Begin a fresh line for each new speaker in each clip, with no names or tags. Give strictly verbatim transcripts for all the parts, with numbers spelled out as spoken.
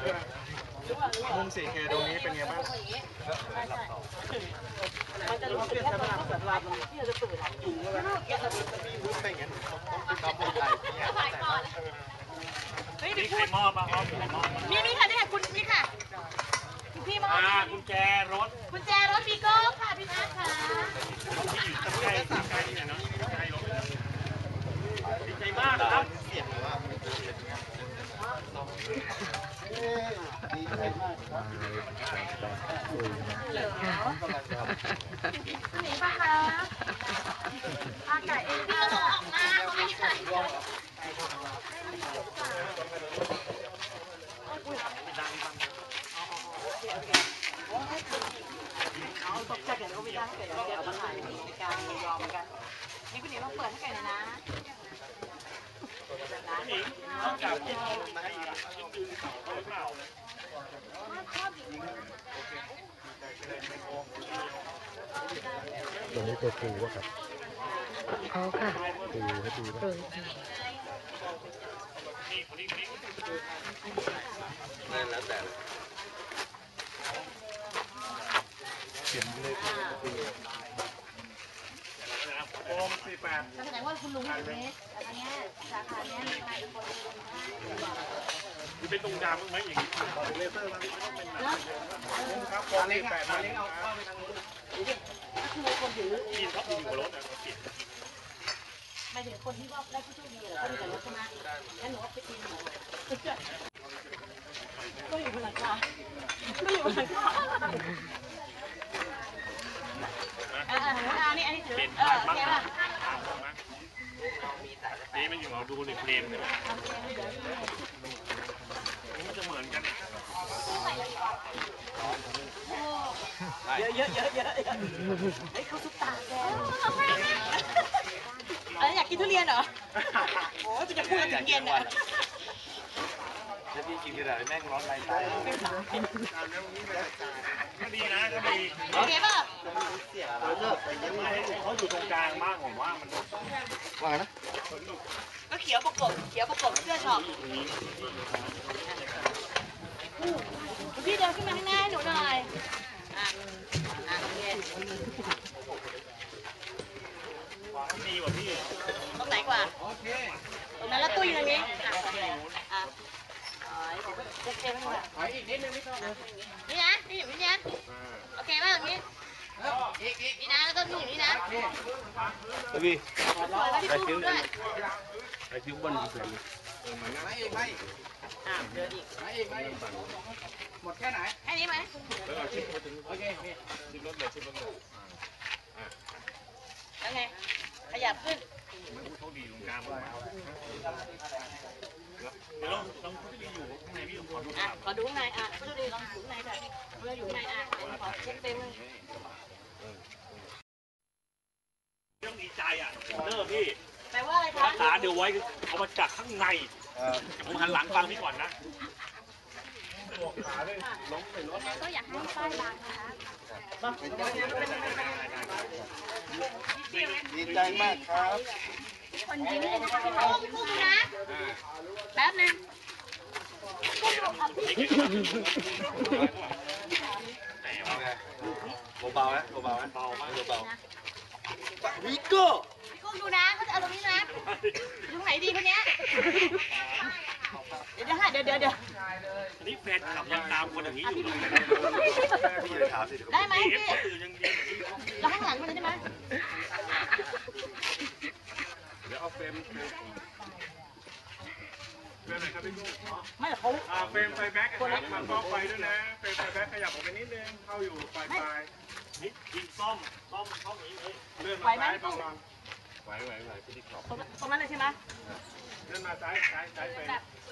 มุม สี่เค ตรงนี้เป็นไงบ้าง
มันจะรู้สึกแค่ตรงนั้นสลับมันที่จะตื่นอยู่เลยไม่งั้นต้องทำอะไรถ่ายก่อนเฮ้ยมีใครมอบมาครับมีมีค่ะนี่ค่ะคุณนี่ค่ะคุณพี่มอบกุญแจรถกุญแจรถบีโก้ค่ะพี่นัทค่ะที่อยู่ตรงใกล้ใกล้นี่นะเนาะใกล้รถดีใจมากครับเสียงว่าดีใจมากหนีป่ะคะอาไก่เองพี่ก็ออกมาเขาตกใจกันก็ไม่ได้เกิดเดี๋ยวมาถ่ายในการยอมกันนี่คุณหนีต้องเปิดให้ไก่นะนะต้องจับที่เราลงมาให้ยืนเขาเปล่า
ตัวนี้ตัวปูวะครับเขาค่ะปูให้ดูนะ
นั่นแล้วแต่เขียนเลยโอมสี่แปด
แสดงว่าคุณลุงอยู่เมสแต่อันนี้สาขานี้มีใครเป็นคนดู
คือเป็นตรงกลางมั้งไหมอย่างนี้เลเซอร์มันไม่ต้องเป็นนะครับโอมสี่แปดมาเล็กเอาเข้าไปทางนู้น
ก็คือคนถือ
ยินเขาอยู่บนรถนะเขาเปลี่ยน
หมายถึงคนที่ว่าได้ผู้โชคดีเหรอเขามีแต่รถใช่ไหมงั้นหนูว่าไปกินหนูก็อยู่บนหลังคาก็อยู่บนหลังคาอ่าอ่านี่อันนี้ถือเออโอเคป่ะ
นี่มันอยู่เราดูในเพลงเลยมันจะเหมือนกัน
เยอะเยอะเยอะเยอะเฮ้ยเขาซุปตาแกอะไรอยากกินทุเรียนเหรอโอ้ยจะพูดถึงเย็นอ่ะ
ถ้าพี่กินกระดาษแม่งร้อนไรตาย
ก็ดีนะก็ดี
โอเคป่ะ
เขาอยู่ตรงกลางมากผมว่ามัน
ว่านะ
ก็เขียวประกบเขียวประกบเสื้อช็อปพี่เดินขึ้นมาข้างหน้าให้หนูหน่อยอ่ะอ่ะโอเค
ดีกว่าพี่
ตรงไหนกว่าตรงนั้นแล้วตู้อยู่ตรงนี้อ่ะโอเคไหมคะถอยอีกนิดนึงไม่ต้องนี่นะนี่อยู่นี่นะโอเคป่ะตรงนี้นี่นะแล้วก็นี่อยู่นี่นะ
พี่
ไปคิ้วด้วย
ไปคิ้วบนอีกเลยไม่อีกไม่
อ่ะเดินอีก
ไม่อีกไม่หมดแค่ไหน
แค่นี้ไหม
โอเคชิมรถเลยชิมรถเลย
แล้วไงขยับขึ้น
เขาดีตรงกลางเลยเดี๋ยวลองลองเขาจะดีอยู่ข้างในพี่ลองขอดู
อ่ะขอดูข้างในอ่ะเขาจะดีลองอยู่ข้างในค่ะเราอยู่ข้างในอ่ะขอเช็คเต็มเลย
ต้องดีใจอ่ะเลิกพี่
แปลว่าอะไรคะ
รักษาเดี๋ยวไว้เอามาจากข้างในผมหันหลังฟังพี่ก่อนนะ
ก็อยากให้ป้ายบางนะคะ
ดีใจมากครับ
คนยิ้มเลยนะคะพี่กุ้งพี่กุ้งนะแป๊บนึงกุ้งหลบครับพี่
เบาๆนะเบาๆนะเบามากเบาๆวิโก้
พี่กุ้งดูนะเขาจะเอาตรงนี้นะตรงไหนดีคนเนี้ยเดี๋ยวเดี๋ยวเดี๋ยวเดี๋ยว
นี่แฟนขับยังตามคนอย่างนี้อยู่เลย
ได้ไหมพี่เราข้างหลังมันได้ไหม
เดี๋ยวเอาเฟรมเฟรมเฟรมไหนครับพี่กุ้ง
ไม่เขา
เฟรมไฟแบ็กนะครับมันก็ไฟด้วยนะเฟรมไฟแบ็กขยับออกไปนิดนึงเข้าอยู่ปลายปลายนิดยิงซ่อมซ่อมเข้าอย่างนี้เลยเลื่อนมาซ้ายบางๆไหวไหวไหวพี่ดิขอบ
ตรงนั้นเลยใช่ไหม
เลื่อนมาซ้ายซ้ายซ้ายเฟรม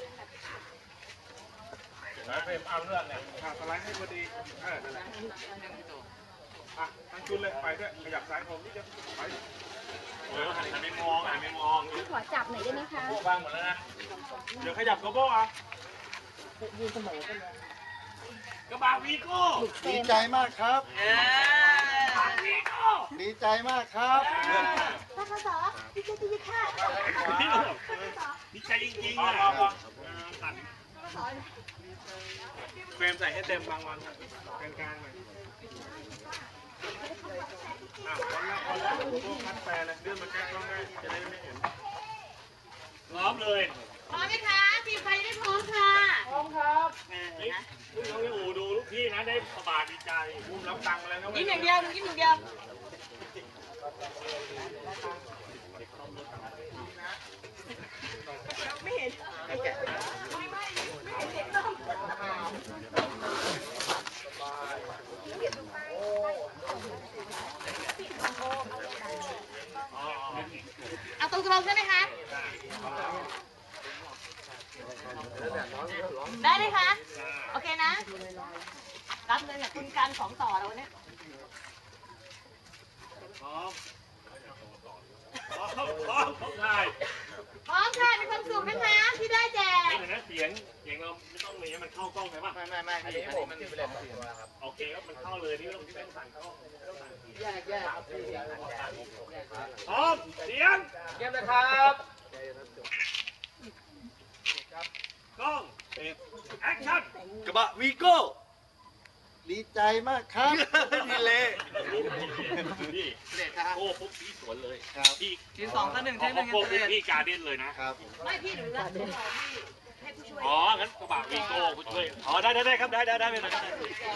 แล้วเฟรมเอาเลื่อนเนี่ยสไลด์ให้พอดีเออนั่นแหละอ่ะทั้งชุดเลยไปด้วยขยับซ้ายผมนี่จะไปโอ้ยหันไม่มองหันไม่มอง
พี่ขอจับหน่อยได้ไหมคะ
โบ้บางหมดแล้วนะเดี๋ยวขยับกระโบ้อ่ะ
ยืนเสมอกันเลย
กระบะวีโก้
ดีใจมากครับดีใจมากครับ
ท่านสอดีใจดีค่ะ
ดีใจจริงๆอ่ะมใส่ให้เต็มบางวันกลางกลางๆหน่อยอ่ะคนละคนละพวกคัดแปรเลยเลื่อนมาแก้กล้องได้จะได้ไม่เห็นพร้อมเลย
พร้อมไหมคะทีมไฟได้พร้อมค่ะพร้อมครับนะ
ลูกน้องที่อู่ดูลูกพี่นะได้สบายดีใจอุ้มรับตังค์มาแล้วนะ
ยิ้มอย่างเดียวยิ้มอย่างเดียวไม่เห็นไม่ไม่ไม่เห็นต้องเอาตรงๆใช่ไหมคะได้เลยคะโอเคนะรับเลยเนี่ยคุณการสองต่อแล้ววันนี้
พร้อมพร้อมพร้อมพร้อมถ่าย
พร้อมค่ะมีความสุขนะคะที่ได้แจก
เห็นไหมเสียงเสียงเราไม่ต้องมีมันเข้ากล้องใช่ป่ะไม่ไม่ไม่อันนี้ผมมันเป็นแบบครับโอเคก็มันเข้าเลยนี่ไม่ต้องที่เป็นสั่นเข้าแยกแยกพร้อมเสียงเยี่ยมเลยครับกล้องแอคชั่น
กระบะวีโก้ดีใจมากครับดีเลย
นี่โอ้ปุ๊บพี่สวนเลย
ครับ
พี่
ทีสองต่อหนึ่งเทคหนึ่ง
โอ้ปุ๊บพี่การเด่นเลยนะครับ
ไม่พี่หนูรักพี่ให้ผู้ช่วย
อ๋องั้นกระบะวีโก้ผู้ช่วยอ๋อได้ได้ได้ครับได้ได้ได้ไม่เป็นไร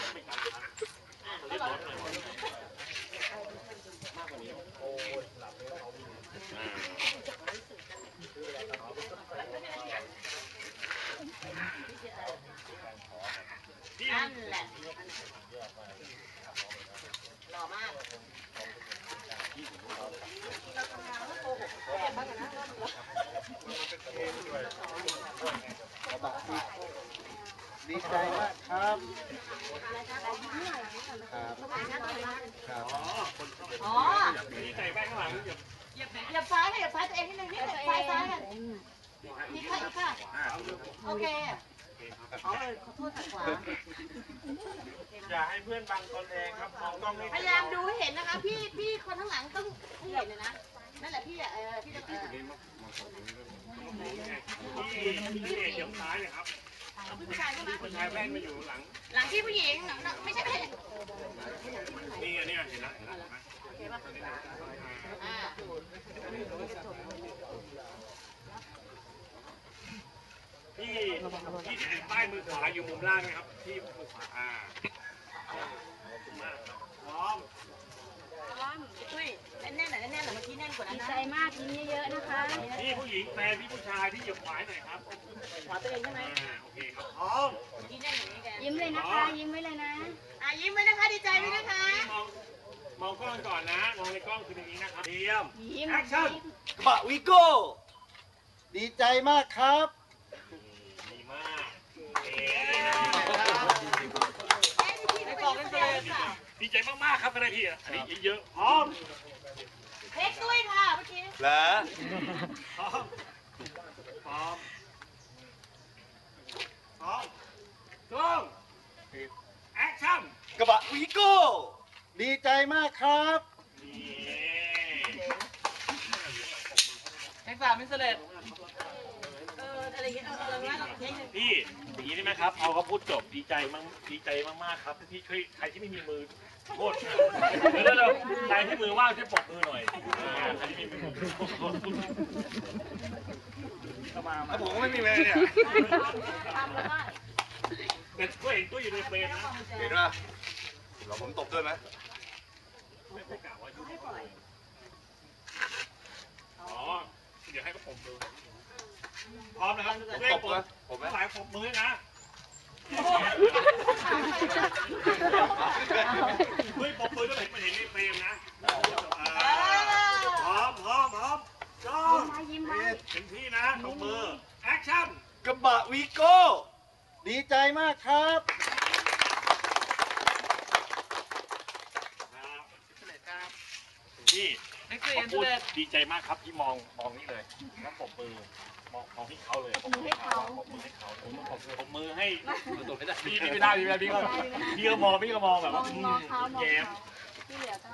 พี่
นั่นแหละหล่อมาก
กระบะวีโก้ดีใจมากครับครับครับ
อ๋อ
อ๋อ
มีใส่แป้งข้างหลังอย่า
เหยียบเหยียบซ้ายเหยียบซ้ายตัวเองนิดนึงนิดนึงซ้ายซ้ายกันนี่ค่ะนี่ค่ะโอเคอ๋อเออขอโทษทางขวา
อย่าให้เพื่อนบังตนเองครับมองกล้องให้
พยายามดูให้เห็นนะคะ พี่พี่คนข้างหลังต้องให้เห็นเลยนะนั่นแหละพี่อ่ะเออพี่จะเออ
พี่พี่เอกเดี๋ยวซ้ายเลยครับ
ผู้ชายใช่ไหม
ผู้ชายแป้งมาอยู่หลัง
หลังที่ผู้หญิงไม่ใช่ไม่ใช่
นี่อันนี้เห็นแล้วเห็นแล้ว
อ่า
พี่พี่ติดป้ายมือขวาอยู่มุมล่างนะครับที่มือขวาอ่าขอบคุณมากครับพร้อม
ล้อมอุ้ยแน่นๆหน่อยแน่นๆหน่อยเมื่อกี้แน่นกว่านั้น
ดี
นะ
ใจมากยิ้มเยอะๆนะคะ
พี่ผู้หญิงแฟนพี่ผู้ชายที่หยิบขวายหน่อยครับ
ขวาตัวเองใช่ไหม
อ่าโอเคครับพร้อม
เมื่อกี้แน่นอย่างนี้แก
ยิ้มเลยนะคะ ยิ้มไว้เลยนะ
อ่ะยิ้มไว้นะคะดีใจไว้นะคะ
มองมองกล้องก่อนนะมองในกล้องคืออย่างนี้นะครับเตรียม
ยิ้ม
แอคชั่น
กระบะวีโก้ดีใจมากครับ
ดีมากเอ๊
ไม่บอกไม่เป็นไรค่ะ
ดีใจมากๆครับคณะพี่อ่ะอันนี้เยอะๆพร้อม
เทคด้วยค่ะเมื่อกี้
เหรอ
พร้อมพร้อมพร้อมกล้องแอคชั่น
กระบะวีโก้ดีใจมากครับ
นี่
เทคสามมิสเลต
เอออะไรอย่างเงี้ยเออเออว่าเราเทคหนึ่ง
พี่อย่างนี้ได้ไหมครับเอาเขาพูดจบดีใจมากดีใจมากๆครับที่ช่วยใครที่ไม่มีมือโทษเดี๋ยวเดี๋ยวใครที่มือว่างช่วยปรบมือหน่อยอ่าใครที่มีมือโทษเข้ามา
แล้วผมก็ไม่มีเลยเนี่ย
ทำแล้วก็
แต่ก็เห็นตัวอยู่ในเฟรมนะ
เห็นป่ะเราผมตบด้วยไหม
ไม่ไม่กล่าวว่ายุ่งอ๋อเดี๋ยวให้เขาปรบมือพร้อมนะครับเร่ง
ตบ
ปร
ไหม
บ
ผมไหม
ทั้งหลายปรบมือนะเฮ้ยปรบมือด้วยเห็นมันเห็นในเฟรมนะพร้อมพร้อมพร้อมจ้อง
ยิ้มไว้
เต็มที่นะปรบมือแอคชั่น
กระบะวีโก้ดีใจมากครับ
พี่
เทคสี่
เขา
มิส
พูด
เลต
ดีใจมากครับที่มองมองนี่เลยแล้วปรบมือมองมองที่เขาเลยปรบมือให้เขาปรบมือให้เขาผมปรบมือปรบมือให้พี่พี่ไม่ได้พี่ไม่ได้พี่ก็พี่ก็มองพี่ก็มองแบบว่าอืมแย้ม
ที่เหลือก็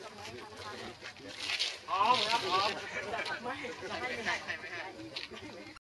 พร้อมครับพร้อม